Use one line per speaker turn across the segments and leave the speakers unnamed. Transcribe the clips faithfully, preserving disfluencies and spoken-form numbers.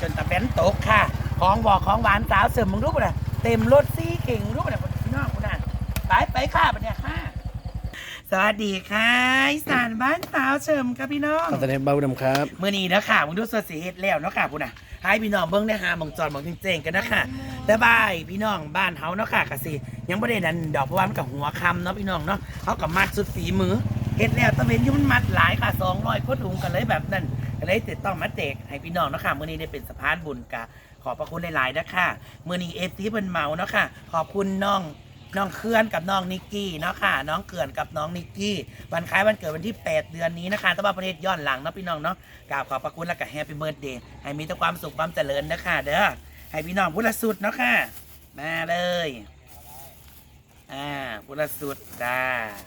นตะเบนตกค่ะของบอกของหวานสาวเสริมมึงรู้ป่ะเนี่ยเต็มรถซี่เก่งรู้ป่ะเนี่ยพี่น้องคุณน่ะไปไปค่ะปะเนี่ยค่ะสวัสดีค่ะอีสานบ้านสาวเสริมครับพี่น้อง
ขอแสดงเบาดำครับ
เมื่อนี้นะค่ะมึงดูสดสีเฮ็ดแล้วเนาะค่ะคุณน่ะให้พี่น้องเบิ้งได้หาหมองจอดหมองเจ๋งๆกันนะค่ะแต่บายพี่น้องบ้านเฮาเนาะค่ะกะสิยังไม่ได้นั่นดอกเพราะว่ามันกับหัวคำเนาะพี่น้องเนาะเขากับมัดสุดฝีมือเฮ็ดแล้วตะเวนยุ่มันมัดหลายค่ะสองร้อยกว่าถุงกันเลยแบบนั้นก็เลยติดต้องมาแจกให้พี่น้องเนาะค่ะมื้อนี้ได้เป็นสะพานบุญกะขอบพระคุณหลายๆนะค่ะมื้อนี้เอฟซีเพิ่นเมาเนาะค่ะขอบคุณน้องน้องเขื่อนกับน้องนิกกี้เนาะค่ะน้องเขื่อนกับน้องนิกกี้วันคล้ายวันเกิดวันที่แปดเดือนนี้นะคะแต่ว่าประเทศย้อนหลังเนาะพี่น้องเนาะกราบขอบพระคุณและก็แฮปปี้เบิร์ธเดย์ให้มีแต่ความสุขความเจริญนะค่ะเด้อให้พี่น้องพุทธสุดเนาะค่ะมาเลยอ่าพุทธสุดจ้า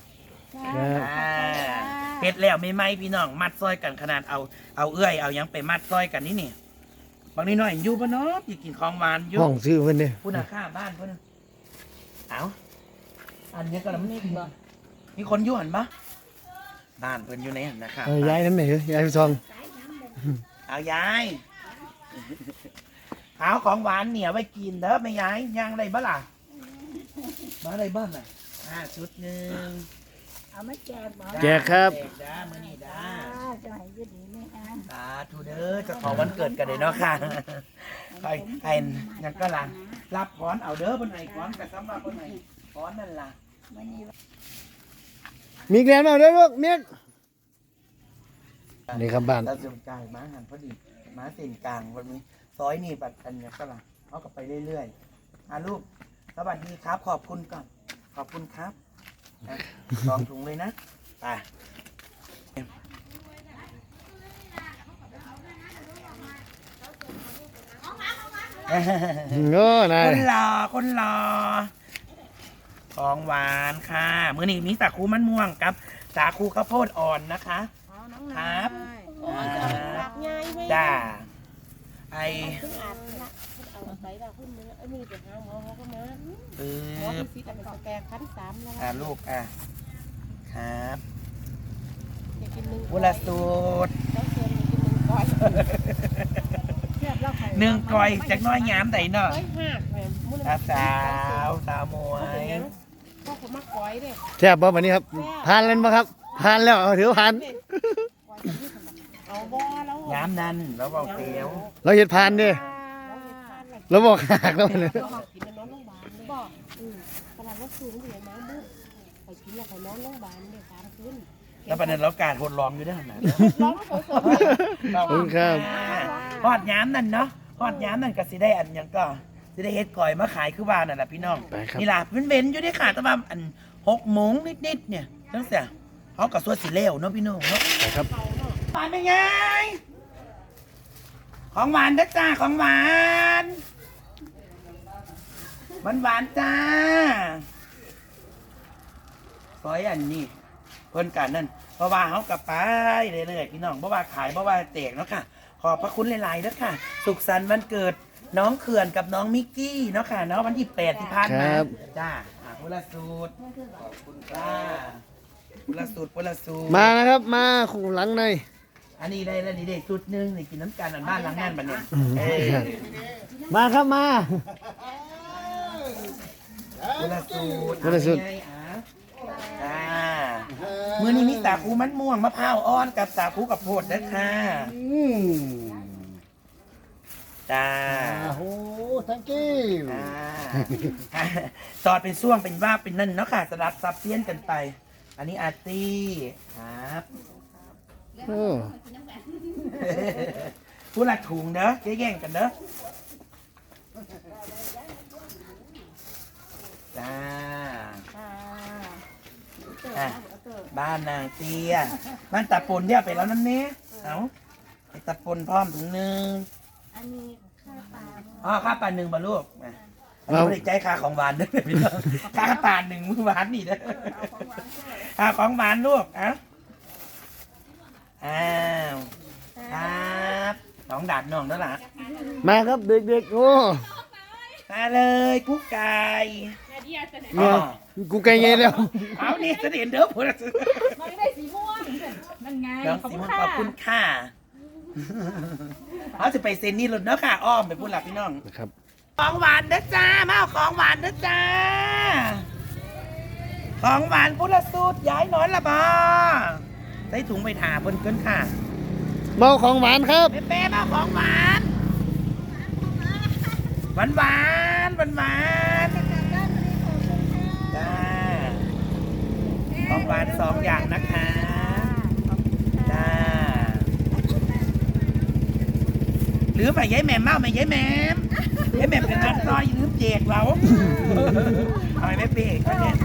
เฮ็ดแล้วไม่ไหมพี่น้องมัดซอยกันขนาดเอาเอาเอื้อยเอายังไปมัดซอยกันนี่นี่บางนิดหน่อยอยู่ปะเนาะอยากกินของหวานอยู่
ห้องซื้อเพิ่นเนี่ย
ผู้น่ะข้าบ้านเพิ่นเอาอันนี้ก็ลำนี่มีคนอยู่หันปะบ้านเพิ่นอยู่ไหนหันนะครับ
เออย้ายน้ำไหนเอ้ยย้ายไปซอง
เอายายเอาของหวานเหนียวไปกินเด้อไม่ยายย่างอะไรบ้าล่ะมาอะไรบ้างอ่ะอ่าชุดหนึ่ง
เอามาแจกบอก
แจกครับ
แจกด้ามื้อนี้ด้า
จะให้ยืดดีไม่อ่าน
สาธุเด้อเจะของวันเกิดกันเลยเนาะค่ะใครใครยังก็ล่ะรับพรเอาเด้อบนไหนพรกับสำหรับบนไหนพรนั่นล่ะ
วันนี้
มีแกนมาด้วยลูกเมียกนี่ครับบ้าน
เราจะกลางม้าหันพอดีม้าเส้นกลางวันนี้ซอยนี่บัดกันยังก็ล่ะเขาก็ไปเรื่อยๆอ่ะลูกสวัสดีครับขอบคุณก่อนขอบคุณครับอ่ะลองถุงเลยนะไป
โง่นาย
คนรอคนรอของหวานค่ะมื้อนี้มีสาคูมันม่วงกับสาคูข้าวโพดอ่อนนะคะครับจ้าไอ
เอาไปแล้วขึ้นมือไอ้นี่ไปหาหมอเขาก็มา
ปื๊
หมอบ พิซิตเอาไปสแกนขั้นสามแล้ว
อ่าลูกอ่ะครับ
อยากกินหนึ่ง
วุลสูตร
แล้วเชิญกินหนึ่งก้อยแซ่บแล้วไข่
หนึ่งกอยจากน้อยงามใดเนาะ
ก้อยหักแหมมุ้ง
สาวสาวสาวมวย
พ่อผมมาก้อยเด้
แซ่บบ่วันนี้ครับผ่านแล้วบ่ครับผ่านแล้วเอาถือผ่าน
เอาบ่แล้ว
งามนั่นแล้วบอกเตียว
เราเห็ดผ่านเด้เราบอกหักแล้วเนี่ย
เรากินแล้วนอนโรงพยาบาลเลยบ่อืมตลาดวัดสูงเหลือน้ำบุกไปกินแล้วไปนอนโรงพยาบาลเลยสามคืน
แล้วประเด็นเราการทดลองอยู่ด้วยนะ
ร้องสด
ขอบคุณครับ
ฮอดย้ำนั่นเนาะฮอดย้ำนั่นก็สิได้อันหยังก็สิได้เฮ็ดก่อยมาขายคือว่านั่นแหละพี่น้อง
ไปครับ
นี่ล่ะเป็นเว้นอยู่ได้ค่ะแต่ว่าอันหกโมงนิดๆเนี่ยตั้งแต่เขากับส่วนสีเลวเนาะพี่น้องเนาะ
ไปครับ
หวานเป็นไงของหวานนะจ้าของหวานหวานหวานจ้าซอยอันนี้เพิ่นกันนั่นเพราะว่าเขากับไปเรื่อยๆพี่น้องเพราะว่าขายเพราะว่าแจกเนาะค่ะ ขอบพระคุณหลายๆนะค่ะ สุขสันต์วันเกิดน้องเขื่อนกับน้องมิกกี้เนาะค่ะเนาะวันที่แปดที่ผ่านมาจ้าอ่ะพุละสูตรขอบคุณจ้าพุละสูตรพุละสูตร
มานะครับมาคู่หลังใน
อันนี้ได้แล้วนี่ได้สูตรหนึ่งนี่กินน้ำกันอันบ้านหลังนั่นบัดเนี่ยเอ้ย
มาครับมา
พุละสูตร
พุละสูตร
เอาไงอ่ะจ้ามื้อนี้มีสาคูมันม่วงมะพร้าวอ่อนกับสาคูกับโพดนะค่ะ
อืม
จ้า
โอ้โห thank you
อ่าตอดเป็นช่วงเป็นว่าเป็นนั่นเนาะค่ะสลับซับเซียนกันไป อันนี้อาร์ตี้ครับ
โอ้
ผู้ละถุงเด้อแย่งกันเด้อจ้าอ่ะบ้านนางเตี้ยบ้านตาปนเนี่ยไปแล้วนั่นเนี้ยเอาไอ้ตาปนพร้อมถุงหนึ่ง
อันนี้ข้าวปลา
อ๋อข้าวปลาหนึ่งบรรลุอ่ะอันนี้ไม่ได้ใจค่าของหวานเด้อพี่น้องค่าปลาหนึ่งมื้อหวานนี่เด้อค่าของหวานลูกอ่ะอ้าวครับน้องดาดน้องนั่นแหละ
มาครับเด็กๆโอ้
มาเลยกุ๊กไก่
เนี่ยกูไกลไงแล้ว
เอานี่เสด็จเด้อพูด
มันได้สีม่วงนั่นไง
น้อง
ขอบ
สิ
คุณ
มน
ค่ะ
ขอบคุณค่ะเขาจะไปเซ็นนี่รถเนาะค่ะอ้อมไปพูดหลับพี่น้อง
นะครับ
ของหวานนะจ้ามาเอาของหวานนะจ้าของหวานพุทธสูตรย้ายนอนละบอใส่ถุงไปถาบนเกินค่ะ
เมาของหวานครับ
เป๊ะๆมาเอาของหวานหวานหวานหวานหวานจ้าของหวานสองอย่างนะคะจ้าหรือไปย้ายแหม่มเมาไปย้ายแหม่มย้ายแหม่มเป็นนักซอยลืมเจกเราเอาไปไม่เป๊ะก็เนี่ย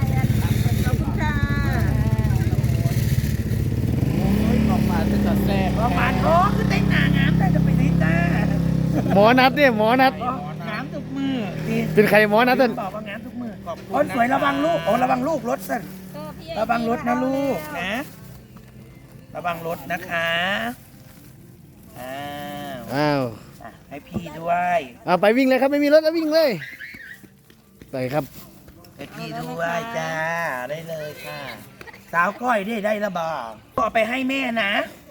ของหวานเป็นตัดแซ่บ
ของหวานโอ้คือเต้นหนางามแต่จะไปไหนจ้า
หมอนัดเนี่ยหมอนัด
งามทุกมือดี
เป็นใครหมอนัดเต้น
บอกว่างามทุกมือคนสวยระวังลูกโอ้ระวังลูกรถสั่นระวังรถนะลูกนะ ระวังรถนะคะอ้าว
อ้าว
อ่ะให้พี่ด้วย
เอาไปวิ่งเลยครับไม่มีรถแล้ววิ่งเลยไปครับ
ให้พี่ด้วยจ้าได้เลยค่ะ สาวก้อยได้ได้ระบอกก็เอาไปให้แม่นะ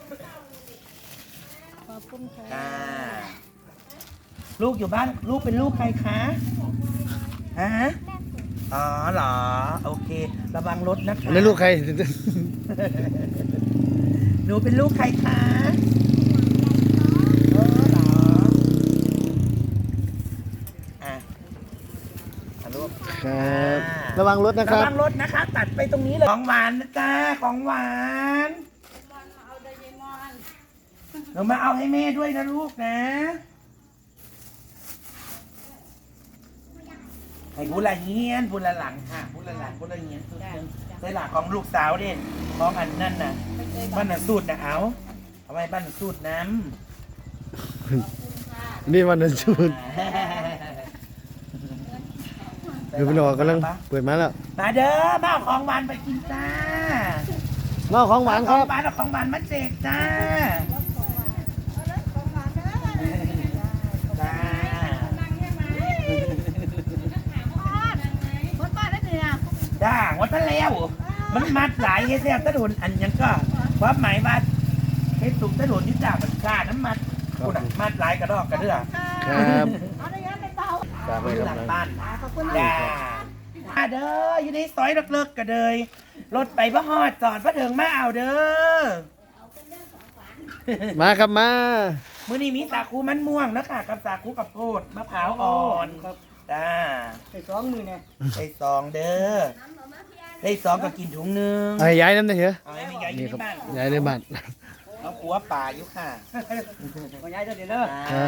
ขอบคุณค่ะ
จ้าลูกอยู่บ้านลูกเป็นลูกใครคะฮะอ๋อเหรอโอเค ระวังรถนะคะ
อันนี้ลูกใคร
หนูเป็นลูกใครคะเออเหรออ่ะอ่ะลูก
ครับระวังรถนะค
ระ
รับ
วังรถนะคะ ตัดไปตรงนี้เลยของหวานนะจ้าของหวานหนูมาเอาให้แม่ด้วยนะลูกนะให้พูละเงียนพูละหลังค่ะพูละหลังพูละเงียนสุดเชิงใส่หลักของลูกสาวเด่นของอันนั่นน่ะบ้านน่ะสูตรนะเอาเอาไว้บ้านน่ะสูตรน้ำ
นี่วันนั้นชูนเดี๋ยวพี่น้องกำลังเปิดมาแล้ว
มาเด้อมาเอาของหวานไปกินจ้า
เมาของหวานค
ขอ
รั
ง
บ
หวานเอาของหวานมาแจกจ้าจ้าจ้าวัดทะแล้ว มันมัดหลายเฮ็ดแล้วตะโดนอันยังก็ความหมายว่าเฮ็ดสุกตะโดนที่จ่ามันค่าน้ำมัดคุณอะมัดหลายกระดอกกระเดื่อ
ครับฝากไว้
อยู่
ค
ห
รั
ลั
บ
งบ้านจ้ามาเด้ออยู่ในซอยเลิกๆกันเลยรถไปพระฮอดจอดพระเถิงมาเอาเด้อ
มาครับมา
มื้อนี้มีสาคูมันม่วงนะคะกับสาคูกับโพดมะพร้าวอ่อนจ้า
ใส่สองมือเนี่ย
ได้สองเด้อได้สองก็กินถุงหนึง
เอาให้ย้ายน้ำหน่อยเถอะ
เอาให้แม่ยายอยู่
นี่
ใน
ครับ
บ้าน
ย้ายในบ้าน
เอาขัวป่าอยู่ค่ะ
ขอย้ายเดี๋ยวเด้อ
อ่า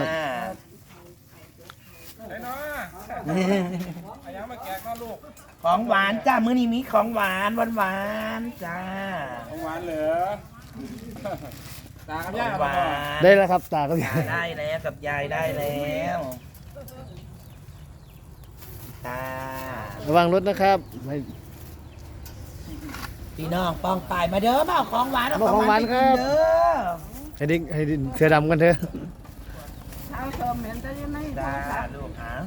ไอ้น้อไอ้ยังมาแกะข้าวลูก
ของหวานจ้ามื้อนี้มีของหวานหวานหวานๆจ้า
ของหวานเหลือตากับ
ข
ย่า
องห
บ่
วาน
ได้แล้วครับตาก็ย้าย
ได้แล้วกับยายได้แล้วจ้า
ระวังรถนะครับไม่
พี่น้องปองปายมาเด้อมาเอาของหวานเอา
มาของหวาน
ไป
ค
กิ
รับ
เด้อ
ให้ดิ้งให้ดิ้งเสื้อดำกันเถอะ
เอาเติมเหม็นได้ยังไง
จ้าลูกหา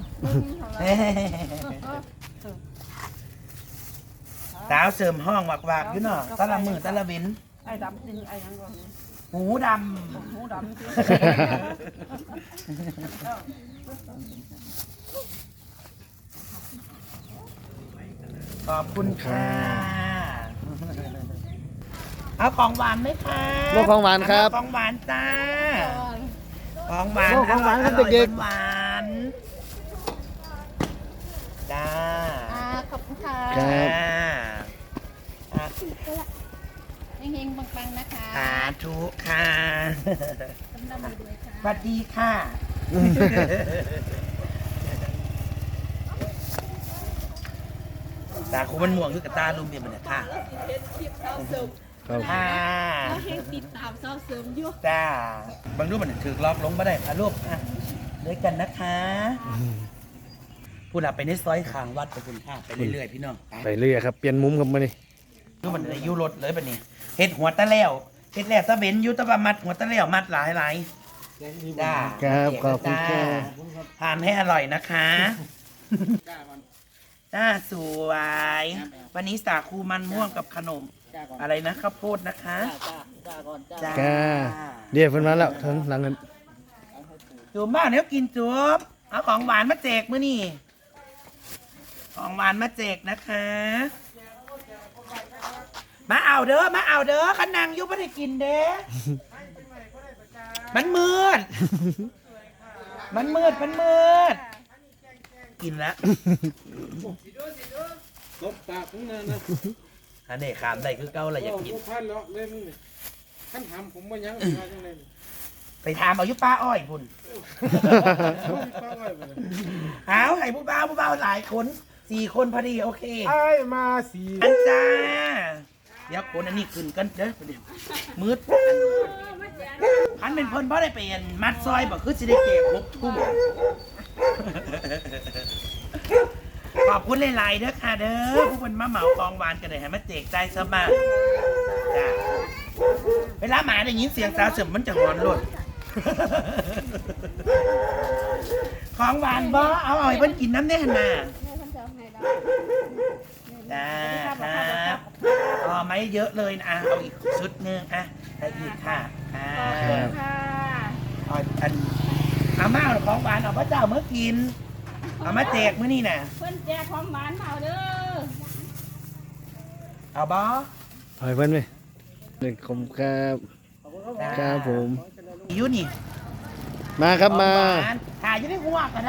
สาวเสริมห้องวักวักๆอยู่เนาะตะละมือตะละเว้น
ไอ้ดำจริงไอ้ยังก่อน
หูด
หูดำจริง
ำขอบคุณค่ะ เอาของหวานไหมคะ
โลกของหวานครับ
ของหวานจ้า ของหวาน
โลกของหวานครับ
ร่ยๆ
เด็ก
หวานๆจ้า
อ่าขอบคุณค่ะ
ครับ
อ่า
เฮงๆปังๆนะคะ
สาธุค่ะ
กำลังด้วยค่ะ
สวัสดีค่ะ ตาคูมันม่วงคือกับตาลุมเพียงมันเนี่ยค่ะ
ครับ
ค่ะ
เฮงติดตามเศร้าเสริมอยู่
จ้าบางรูปมันถือล็อกลงมาได้ค่ะลูกอ่ะด้วยกันนะคะพูดอ่ะไปในซอยขางวัดไปคุณค่ะไปเรื่อยๆพี่น้องไป
ไปเรื่อยครับเปลี่ยนมุมครับมานี่
รูปมันอายุรถเลยแบบนี้เฮ็ดหัวตะแล้วเฮ็ดแล้วตะเบนอยู่ตะบะมัดหัวตะแล้วมัดหลายหลายๆจ้า
ครับขอบคุณค
จ้า
รับ
ทานให้อร่อยนะคะจ้าสวย วันนี้สาคูมันม่วงกับขนม อะไรนะข้าวโพดนะคะจ้า
จ้าเดี๋ยวเพิ่นมาแล้วถึงหลังเงิน
จุ่มบ้านเดี๋ยวกินจุ่มเอาของหวานมาแจกมื้อนี่ของหวานมาแจกนะคะ มาเอาเด้อมาเอาเด้อขันนางอยุบไม่ได้กินเด้ มันมืด มันมืดมันมืด กินแล้ว
ลบปากของนั่นนะ
อันนี้ขามได้คือเก้าอะไรอยากกิน
โพันแล้วเล่นนี่ขั้นทำผมว่ายังมาจังเลย
ไปถามเอาอยุป้าอ้อยพุ่น
ป้าไว้บ่
เอาไอ้ผู้บ่าวผู้บ่าวหลายคนสี่คนพอดีโอเค
ไอ้มาสี
อันจ้า เดี๋ยวคนอันนี้ขึ้นกันเด้อเดี๋ยวมืดพันเป็นเพิ่นเพราะได้ไปอันมัดซอยบอกคือสิได้เก็บครบทุ่มขอบคุณหลายๆเด้อค่ะเด้อผู้คนมาเหมากองหวานกันเลยให้มาเจกใจสบายจ้าเวลาหมาได้ยินเสียงสาวเสริมมันจะหอนหล่นของหวานบ่เอาเอาให้เพิ่นกินน้ำแน่น่ะจ้าครับอ๋อไม่เยอะเลยนะอ่ะเอาอีกชุดหนึงอ่ะได้อีกค่ะอ่า
ค่ะ
เอาอันเอามาเอาของหวานเอาพระเจ้าเมื่อกินเอามาแจกมื้อนี่น่ะ
เพิ่นแจกของหวานมาเอาเด้อ
เอาบ่
ถอยเพิ่นไปหนึ่งคมครับครับผม
อยู่นี่
มาครับมา
ของหวานถ่ายอยู่ในหัวก็ได้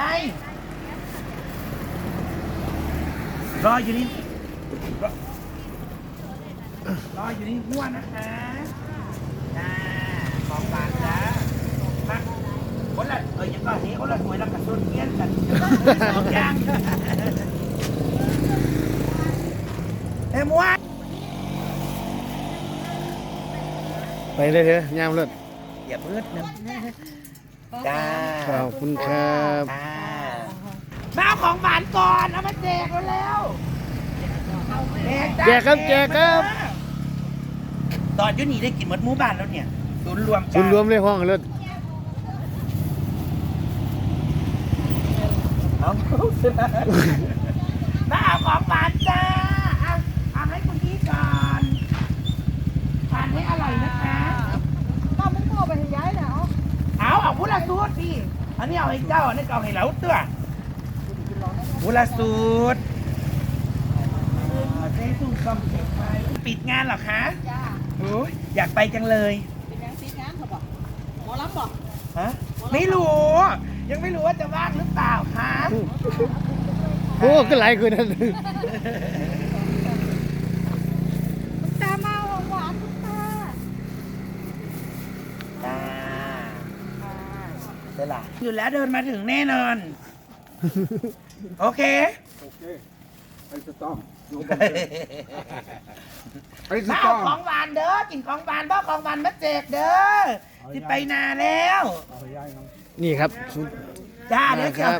รออยู่นี่รอรออยู่นี่หัวนะคะจ้าของหวานจ้ามาคนละเอ้ยยังก็นี้คนละสวยแล้วกับส่วนเทียนกันสองอย่างเอ้ยมัว
ไปเลยเถอะยามเลิศ
อย่าเพิ่งนะจ้า
ขอบคุณครับ
อ่ามาเอาของหวานก่อนเอามาแจกแล้วๆ
แจกครับแจกครับ
ตอนอยุนี่ได้กินหมดหมู่บ้านแล้วเนี่ยศูนย์รวม
คุณรวมเลยห้องเลิศ
เอามาเอาของหวานจ้าเอาเอาให้คุณพี่ก่อนทานให้อร่อยนะคะ
ป้ามึงโตไปให้ย้ายแล้ว
เอาเอาพุละสูตรพี่อันนี้เอาให้เจ้าอันนี้เอาให้เราเตื้อพุละสูตรเจ๊ตุ้งกำเก็บไว้ปิดงานเหรอคะ
จ้า
โอ้ยอยากไปจังเลย
เป็นยังปิดงานเขาบอกหมอลำบอก
ฮะไม่รู้ ยังไม่รู้ว่าจะว่างหรือเปล่าคะ
โอ้ก็หลายคนนั่น
ตามาหวานทุกตา
จ้าเดี๋ยวล่ะอยู่แล้วเดินมาถึงแน่นอน โอเค
โอเคไอ้สตอมอยู่บนไอ้ส
มา
ต
เอา
อม
ของหวานเด้อกินของหวานบ่ของหวานมาแจกเด้อที่ไปนาแล้ว
เอาไปย้ายน้อง
นี่ครับ
จ้าเดี๋ยว
ครั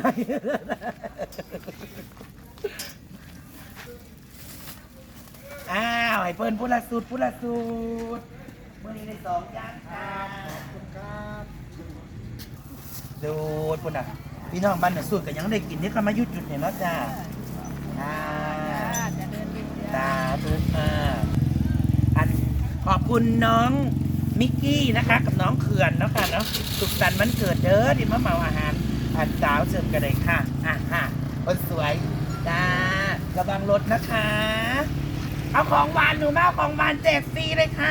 จะ
บ
อ้าวให้เปิ้นพุละสูตรพุละสูตรเมื่อนี้ได้สองอย่างครับขอบคุณครับดูดปุ่นอ่ะพี่น้องบ้านน่ะสูตรก็ยังได้กินที่เขามายุดจุดเนี่ยเนาะจ้าอ่า
จะเดินดู
ตาตุกอ่าอันขอบคุณน้องมิกกี้นะคะ กับน้องเขื่อนเนาะค่ะเนาะสุขสันต์วันเกิดเด้อที่มาเหมาอาหารอันสาวเสิร์ฟกันเลยค่ะอ่ะค่ะคนสวยจ้าระวังรถนะคะ เอาของหวานหนูมาเอาของหวานแจกฟรีเลยค่ะ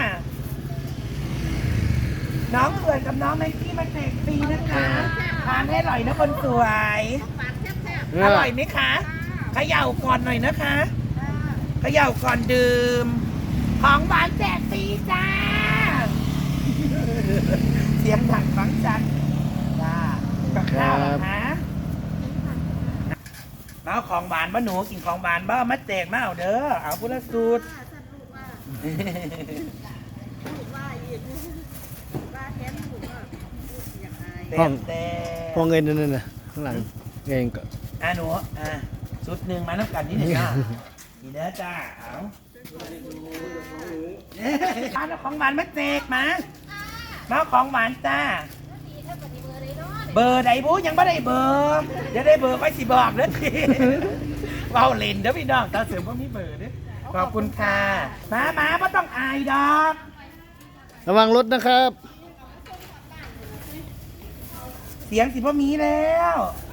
น้องเขื่อนกับน้องไมค์กี้มาแจกฟรีนะคะทานให้อร่อยนะคนสวยอร่อยไหมคะเขย่าก่อนหน่อยนะคะเขย่าก่อนดื่มของหวานแจกฟรีจ้า เสียงดังฟังชัดจ้ากับข้าวเหรอคะมาเอาของหวานบ้าหนูกินของหวานบ้ามาแจกมาเอาเด้อเอาพุทธสูตรเต็
ห้อง
มเต็ม
ห้องเงินนั่นน่ะข้างหลังเงินก็
อ่ะหนูอ่ะชุดหนึ่งมาน้ำกันนิดหนึ่งจ้านี่เด้อจ้าเอาเอาของหวานมาแจกมามาเอาของหวานจ้า เบอร์ใดบูยังไม่ได้เบอร์เดี๋ยวได้เบอร์ค่อยสิบอกเด้อทีเว้าเล่นเด้อพี่น้องตาเสริมว่ามีเบอร์เด้อขอบคุณค่ะมามาไม่ต้องอายดอก
ระวังรถนะครับ
เสียงสิพ่อมีแล้ว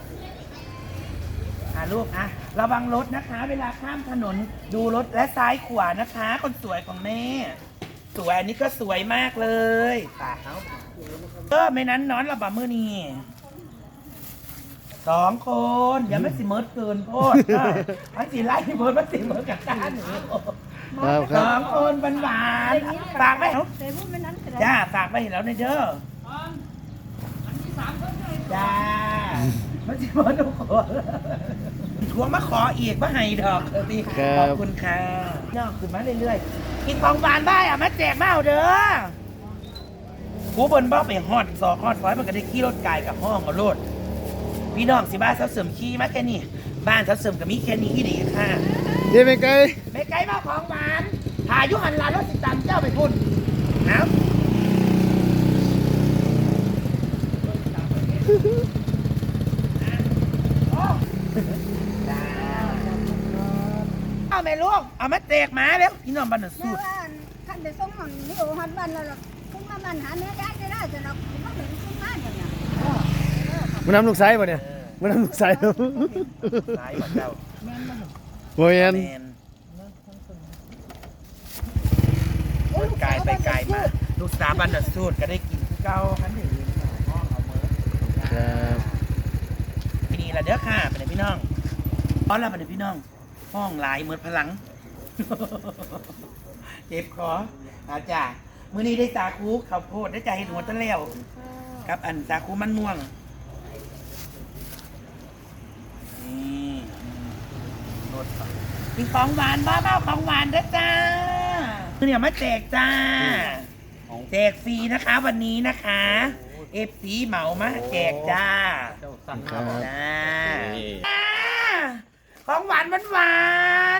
อ่าลูกอ่ะระวังรถนะคะ เวลาข้ามถนนดูรถและซ้ายขวานะคะ คนสวยของแม่สวยอันนี้ก็สวยมากเลยปากเขาเออไม่นั้นนอนระบามือนี่สองคนอย่าไม่สิเมิดเกินโพดเอออันสิไล่เมิดมันสิเมิดกับตาหนู
ครับค
ส
รั
อบ งคนหวานๆฝากไว้เหรอ
แต่พูดไม่นั้นก็ได้
จ้าฝากไว้เห็นแล้วในเด้อจ้ามันจะมาดูขอทวงมาขออีกมาให้ดอกสิ
ครับ
ขอบคุณค่ะนอกขึ้นมาเรื่อยๆกินของหวานบ้ายอ่ะมาแจกมาเอาเด้อกูบนบ้าไปฮอดซอกฮอดซอยมันก็ได้ขี่รถไกลกับห้องกับรถพี่น้องสิบ้านเสาเสริมขี่มาแค่นี้บ้านเสาเสริมกับมีแค่นี้ที่ดีค่ะ
เดี๋ยวไปไกล
ไม่ไกลมาของหวานพายุหันหลานรถสิตามเจ้าไปพุ่นนะเอาแม่ลูกเอามาแตกหมาแล้วพี่น้องบันสู
แม่
ด
ว่าท่านไปส่งมันนี่โอ้หันบ้านแล้วล่ะคุณมามันหาแม่ได้ได้จะเราไม่เห็นคุณมาอย่างเนี้ย
มันนำลูกไซส์ป่ะเนี่ยมันนำลูกไซส์
สายบันเจ้า
โมเยน
แมนรถไกลไปไกลมาลูกสาวบันสูดก็ได้กินคือเก่าคันหนึ่งห้องเอาเมิร์
ครับ
พี่นี่ละเด้อค่ะเป็นไงพี่น้องตอนเราเป็นไงพี่น้อง ห้องหลายเหมือนพลัง เจ็บคออาจ้ามื้อนี้ได้สาคูข้าวโพดได้ใจเห็ดหัวตะแล้วครับอันสาคูมันม่วงนี่รสมีของหวานบ้าเบ้าของหวานเด้อจ้าเนี่ยมาแจกจ้าแจกฟรีนะคะวันนี้นะคะเอฟซีเหมามาแจกจ้า
ครับ
จ้าอ่าของหวานหวานหวาน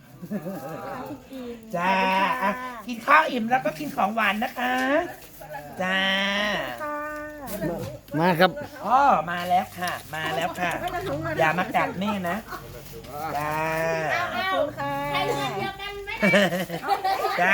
จ้าอ่ะกินข้าวอิ่มแล้วก็กินของหวานนะคะจ้า
มาครับ
อ๋อมาแล้วค่ะ มาแล้วค่ะ อย่ามากัดแม่นะจ้า
ใครเงินเดียวกันไหม
จ้า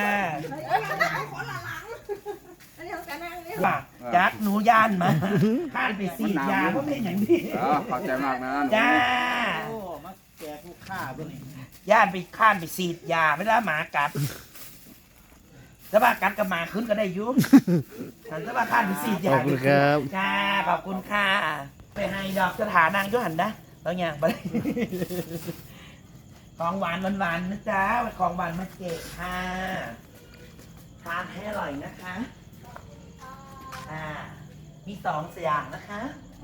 ว่าจักหนูย่านมาข้านไปสีดยาเพราะเป็นอย่างนี้
อ๋อขอบใจมากนะ
จ้า
โอ้มาแจกลูกค้าด้วยนี่
ย่านไปข้านไปสีดยาไม่ได้หมากัดถ้าว่ากัดกับหมาขึ้นก็ได้อยุ่ถ้าว่าข้านไปสีดยา
ขอบคุณครับ
จ้าขอบคุณค่ะไปให้ดอกสถานางยุหันนะแล้วอย่างไปของหวานหวานๆนะจ๊ะของหวานมาเจกค่ะทานให้อร่อยนะคะอ่ามีสองอย่างนะคะ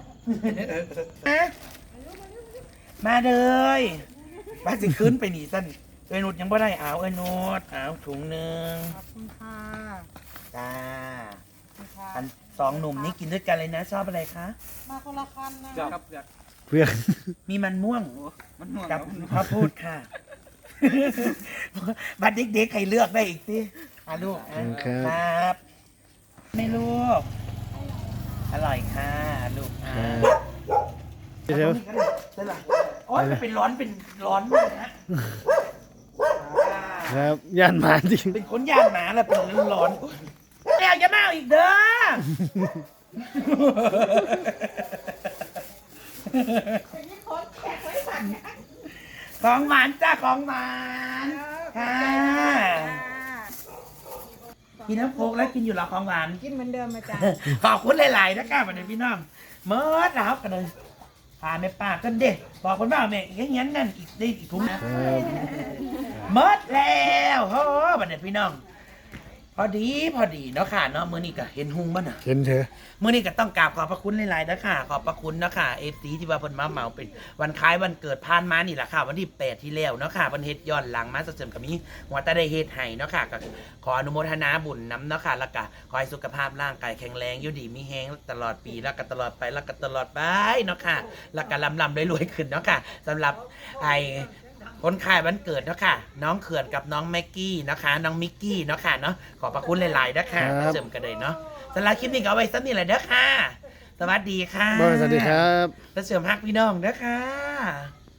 มาเลยบ้านสิขึ้นไปหนีสั้นเอ้ยนุดยังไม่ได้เอาเอ้ยนุดเอาถุงหนึ่ง
ขอบคุณค่ะ
จ้าอันสองหนุ่มนี้กินด้วยกันเลยนะ ชอบอะไรคะ
มาคนละคันนะ
อยากครับอยาก
เพื่อน
มีมันม่วง
มันห่วง
กับข้าวโพดค่ะ บัดเด็กๆใครเลือกได้อีกสิอ่ะลูกอ่ะครับไม่ลูก อร่อยค่ะลูกอ่ะ
เดี๋ยว
เสร็จละโอ๊ยมันเป็นร้อนเป็นร้อนเลยนะ
ครับย่านหมาจริง
เป็นคนย่านหมาแล้วเป็นร้อนแล้วจะมาเอาอีกเด้อของหวานจ้าของหวานค่ะกินน้ำโคกแล้วกินอยู่หรอของหวาน
กินเหมือนเดิมมาจ้ะ
ขอบคุณหลายๆนะครับวันนี้พี่น้องเมื่อแล้วกันเลยพาแม่ป้ากันเด็กบอกคนว่าแม่อีกอย่างนั้นนั่นอีกได้อีกถุงนะครับ เมื่อแล้วโอ้วันนี้พี่น้อง พอดีพอดีเนาะค่ะเนาะมื้อนี้ก็เห็นหุงบ้าน่ะ
เห็นเถอะ
มื้อนี้ก็ต้องกราบขอบพระคุณหลายๆนะค่ะขอบพระคุณเนาะค่ะ เอฟ ซี ที่ว่าเพิ่นมาเหมาเป็นวันคล้ายวันเกิดผ่านมานี่แหละค่ะ วันที่แปดที่แล้วเนาะค่ะเพิ่นเฮ็ดย้อนหลังมาเสริมกับมีหัวตาได้เฮ็ดให้เนาะค่ะก็ขออนุโมทนาบุญนํเนาะค่ะแล้วก็ขอให้สุขภาพร่างกายแข็งแรงอยู่ดีมีแฮงตลอดปีแล้วก็ตลอดไปแล้วก็ตลอดไปเนาะค่ะแล้วก็ลำๆรวยๆขึ้นเนาะค่ะสำหรับไอคนขายวันเกิดเนาะค่ะ น้องเขื่อนกับน้องแม็กกี้นะคะ น้องมิกกี้เนาะค่ะเนาะขอบพระคุณหลายๆนะคะเสริมกันเลยเนาะสำหรับคลิปนี้ก็เอาไว้สักนิดแหละเด้อค่ะ สวัสดีค่ะ
บอยสวัสดีครับ
แล้วเสริมฮักพี่น้องเด้อค่ะ